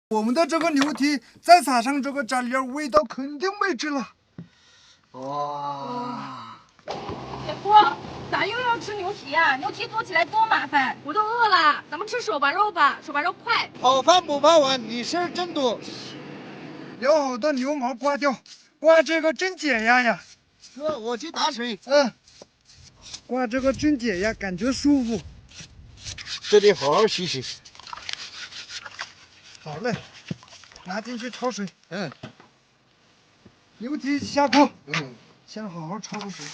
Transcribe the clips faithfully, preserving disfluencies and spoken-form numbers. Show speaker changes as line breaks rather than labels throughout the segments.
我们的这个牛蹄再撒上这个蘸料，味道肯定没治了。哇！
铁锅，咋又要吃牛蹄呀、啊？牛蹄做起来多麻烦，我都饿了。咱们吃手把肉吧，手把肉快。
好饭不怕晚，你事儿真多。
要好的牛毛刮掉，刮这个真解压呀。
哥，我去打水。
嗯，刮这个真解压，感觉舒服。
这得好好洗洗。
好嘞，拿进去焯水。
嗯。
牛蹄下锅。
嗯。
先好好焯个水。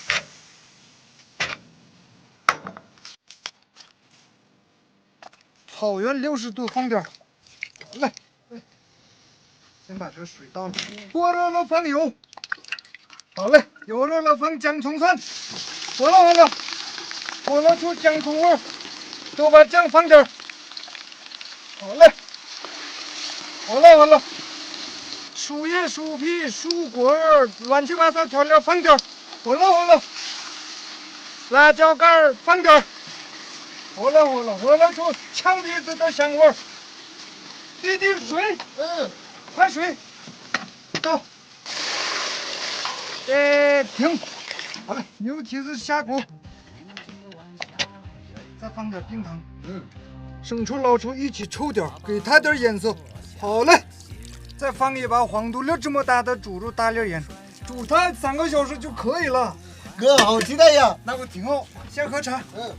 草原六十度放点儿。好嘞。先把这个水倒了，锅热了放油。好嘞，油热了放姜葱蒜，火了火了，火了出姜葱味儿，都把酱放点儿。好嘞，好了好了，薯叶、薯皮、薯果儿，乱七八糟调料放点儿。火了火了，辣椒干儿放点儿。火了火了，火了出呛鼻子的香味儿。滴滴水，嗯，快水，倒。哎，停！好了，牛蹄子下锅，再放点冰糖，嗯，生抽、老抽一起抽点，给它点颜色。好嘞，再放一把黄豆粒这么大的猪肉大粒盐，煮它三个小时就可以了。
哥，好期待呀！
那我挺好，先喝茶。
嗯。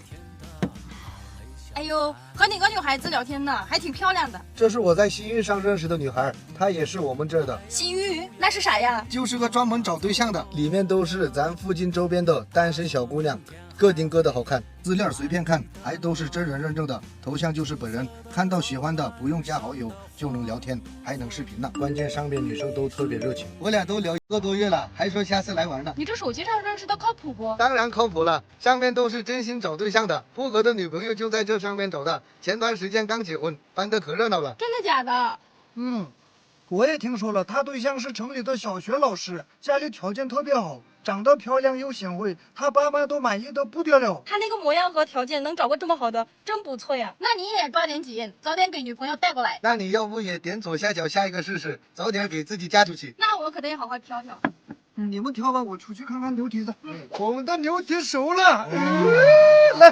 哎呦，和哪个女孩子聊天呢？还挺漂亮的。
这是我在西域上认识的女孩，她也是我们这儿的。
西域那是啥呀？
就是个专门找对象的，里面都是咱附近周边的单身小姑娘，各顶各的好看，资料随便看，还都是真人认证的，头像就是本人，看到喜欢的不用加好友就能聊天，还能视频呢。关键上面女生都特别热情，我俩都聊一个多月了，还说下次来玩呢。
你这手机上认识的靠谱不？
当然靠谱了，上面都是真心找对象的，富哥的女朋友就在这上面找的，前段时间刚结婚，办得可热闹了。
真的假的？
嗯，我也听说了，他对象是城里的小学老师，家里条件特别好，长得漂亮又贤惠，他爸妈都满意的不得了。
他那个模样和条件能找个这么好的，真不错呀。那你也抓点紧，早点给女朋友带过来。
那你要不也点左下角下一个试试，早点给自己嫁出去。
那我可得好好挑挑。
嗯，你们挑吧，我出去看看牛蹄子。嗯，我们的牛蹄熟了。嗯，来。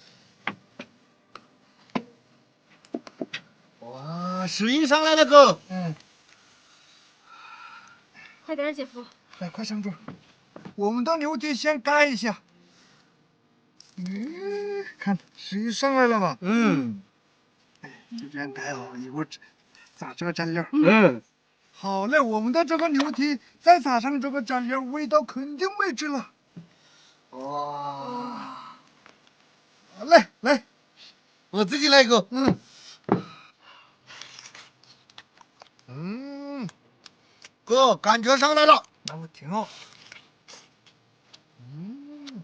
哇，水印上来了哥。
嗯，
快点，姐夫。
来，快上桌。我们的牛蹄先盖一下。嗯，看水印上来了吧？
嗯。
哎，就这样盖好，一会儿撒这个蘸料。
嗯。
好嘞，我们的这个牛蹄再撒上这个蘸料，味道肯定没治了。
哇！
好嘞，来，
我自己来一个。
嗯。
嗯，哥，感觉上来了。
那我挺好。
嗯。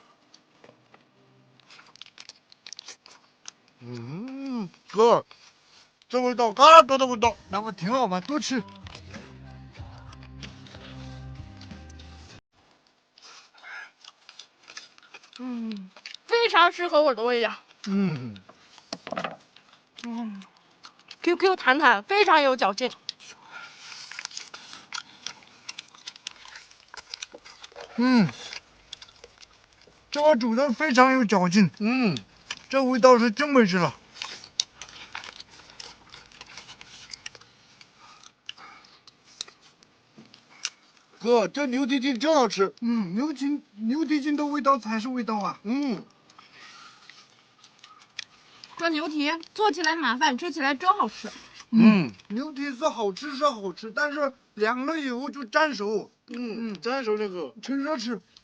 嗯，哥，这味道，嘎多的味道。
那我挺好嘛，多吃。
嗯，非常适合我的味道。
嗯。
嗯 ，Q Q 弹弹，非常有嚼劲。
嗯，这个煮的非常有嚼劲。
嗯，
这味道是真没治了。
哥，这牛蹄筋真好吃。
嗯，牛筋牛蹄筋的味道才是味道啊。
嗯。
这牛蹄做起来麻烦，吃起来真好吃。
嗯，
牛蹄子好吃是好吃，但是凉了以后就粘手。
嗯嗯，粘手这个。
趁热吃。